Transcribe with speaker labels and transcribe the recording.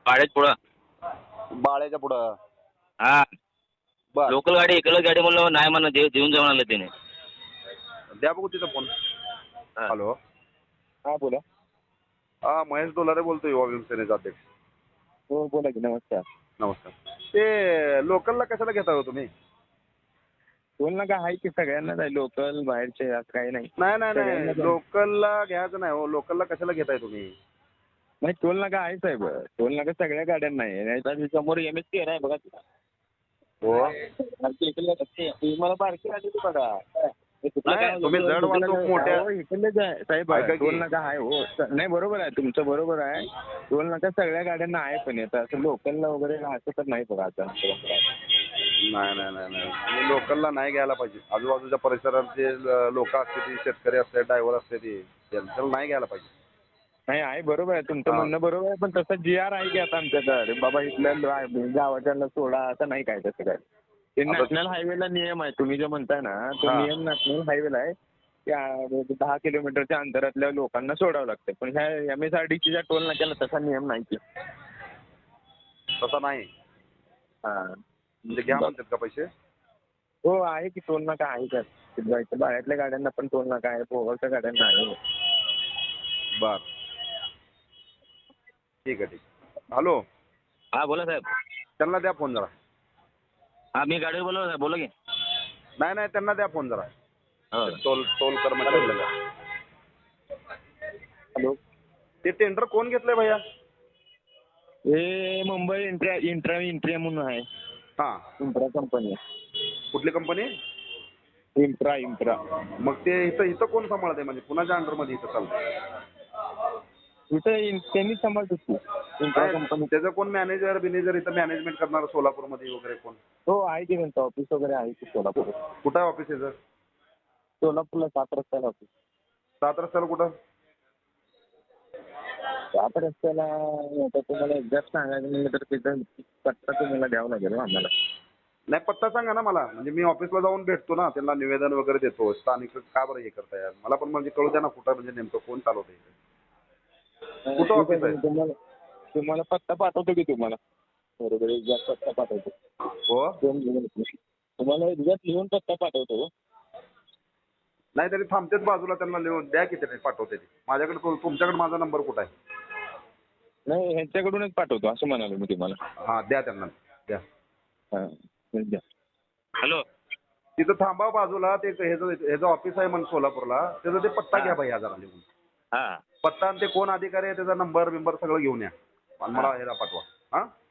Speaker 1: बाळ्याच्या पुढं.
Speaker 2: बाळ्याच्या पुढं.
Speaker 1: हा
Speaker 2: बर,
Speaker 1: लोकल गाडी एकच गाडी म्हणलं नाही म्हणा देऊन जाऊन आलं त्याने.
Speaker 2: द्या बघू तिथं फोन.
Speaker 1: हा.
Speaker 2: हॅलो,
Speaker 3: हा बोला.
Speaker 2: हा महेश डोलारे बोलतो, युवा भीमसेनेचा अध्यक्ष.
Speaker 3: हो बोला की. नमस्कार.
Speaker 2: नमस्कार. ते लोकलला कशाला घेता हो तुम्ही?
Speaker 3: टोल नाका आहे की सगळ्यांनाच आहे, लोकल बाहेरचे असं काही नाही.
Speaker 2: नाही नाही
Speaker 3: सगळ्यांनाच
Speaker 2: नाही,
Speaker 3: आहे.
Speaker 2: लोकलला घ्यायचं नाही हो. लोकलला कशाला घेताय तुम्ही?
Speaker 3: नाही टोल नाका आहे साहेब. टोल नाका सगळ्या गाड्यांना आहे. नाहीतर समोर MST आहे बघा.
Speaker 2: हो,
Speaker 3: तुम्ही मला बारकी गाडी ती बघा.
Speaker 2: नाही, तुम्ही जड वाहतूक मोठ्या-
Speaker 3: हो, इकडलेच आहे साहेब.
Speaker 2: ऐका की.
Speaker 3: टोल नाका आहे हो. नाही बरोबर आहे तुमचं, बरोबर आहे. टोल नाका सगळ्या गाड्यांना आहे, पण येतं असं लोकलला वगैरे असं तर नाही बघा आता.
Speaker 2: नाही नाही नाही नाही, तुम्ही लोकलला नाही घ्यायला पाहिजे. आजूबाजूच्या परिसरातले लोक असते ती, शेतकरी असते, ड्रायव्हर असते ती, त्यांच्याला नाही घ्यायला पाहिजे.
Speaker 3: नाही आहे, बरोबर आहे तुमचं
Speaker 2: हा.
Speaker 3: म्हणणं, बरोबर आहे. पण तसं GR आहे की आता आमच्याकडे बाबा, इथल्या गावाच्याला सोडा असं नाही काय तसं काय. ते नॅशनल हायवेला नियम आहे. तुम्ही जो म्हणताय ना तो
Speaker 2: हा.
Speaker 3: नियम नॅशनल हायवेला आहे. त्या 10 किलोमीटरच्या अंतरातल्या लोकांना सोडावं लागतं. पण ह्या MSRDCच्या टोल नाक्याला तसा नियम नाही की.
Speaker 2: तसं नाही
Speaker 3: हां.
Speaker 2: म्हणजे घ्या म्हणतात का पैसे?
Speaker 3: हो आहे की, टोल नाका आहे त्यात. बाहेरल्या गाड्यांना पण टोल नाका आहे, भोगावच्या गाड्यांना आहे.
Speaker 2: बर, ठीक आहे ठीक आहे. हॅलो,
Speaker 1: हा बोला साहेब.
Speaker 2: त्यांना द्या फोन जरा.
Speaker 1: हा मी गाडीवर बोलवलं साहेब, बोला की.
Speaker 2: नाही नाही, त्यांना द्या फोन जरा.
Speaker 1: हो.
Speaker 2: टोल टोल कर्मचाऱ्याला द्या.
Speaker 3: हॅलो,
Speaker 2: ते टेंडर कोण घेतलंय भैया?
Speaker 3: हे मुंबई इंट्रा म्हणून आहे.
Speaker 2: हां,
Speaker 3: इंट्रा कंपनी.
Speaker 2: कुठली कंपनी?
Speaker 3: इंट्रा.
Speaker 2: मग ते इथं कोण सांभाळते, म्हणजे कुणाच्या अंडरमध्ये इथं चालतं?
Speaker 3: इथं त्यांनी सांभाळतो की इंट्रा कंपनी.
Speaker 2: त्याचं कोण मॅनेजर बिनेजर इथं मॅनेजमेंट करणार सोलापूरमध्ये वगैरे कोण?
Speaker 3: हो आहे की, त्यांचं ऑफिस वगैरे आहे की सोलापूर.
Speaker 2: कुठं आहे ऑफिस याचं?
Speaker 3: सोलापूरला 7 रस्त्याला ऑफिस.
Speaker 2: 7 रस्त्याला कुठं?
Speaker 3: 7 रस्त्याला आता तुम्हाला एक्झॅक्ट सांगायचं म्हणलं तर तिथं पत्ता तुम्हाला द्यावा लागेल आम्हाला.
Speaker 2: नाही, पत्ता सांगा ना मला, म्हणजे मी ऑफिसला जाऊन भेटतो ना, त्यांना निवेदन वगैरे देतो. स्थानिक का बरं हे करताय? मला पण म्हणजे कळू द्या ना, कुठं म्हणजे नेमकं कोण चालवतं इथे. कुठं ऑफिस आहे?
Speaker 3: तुम्हाला पत्ता पाठवतो की तुम्हाला. बरोबर, एक्झॅक्ट पत्ता पाठवतो.
Speaker 2: हो,
Speaker 3: तुम्हाला एक्झॅक्ट लिहून पत्ता पाठवतो.
Speaker 2: नाही तरी थांबतेच बाजूला, त्यांना लिहून द्या की ते पाठवते ते. माझ्याकडे तुमच्याकडे माझा नंबर कुठं आहे?
Speaker 3: नाही, ह्यांच्याकडूनच पाठवतो असं म्हणालो मी तुम्हाला.
Speaker 2: हां, द्या त्यांना, द्या.
Speaker 3: हां द्या.
Speaker 1: हॅलो.
Speaker 2: तिथं थांबा बाजूला, ते ह्याचं ऑफिस आहे म्हणून सोलापूरला, त्याचा ते पत्ता घ्या भैया जरा लिहून.
Speaker 1: हा
Speaker 2: पत्ता आणि ते कोण अधिकारी आहे त्याचा नंबर बिंबर सगळं घेऊन या आणि मला ह्याला पाठवा. हां.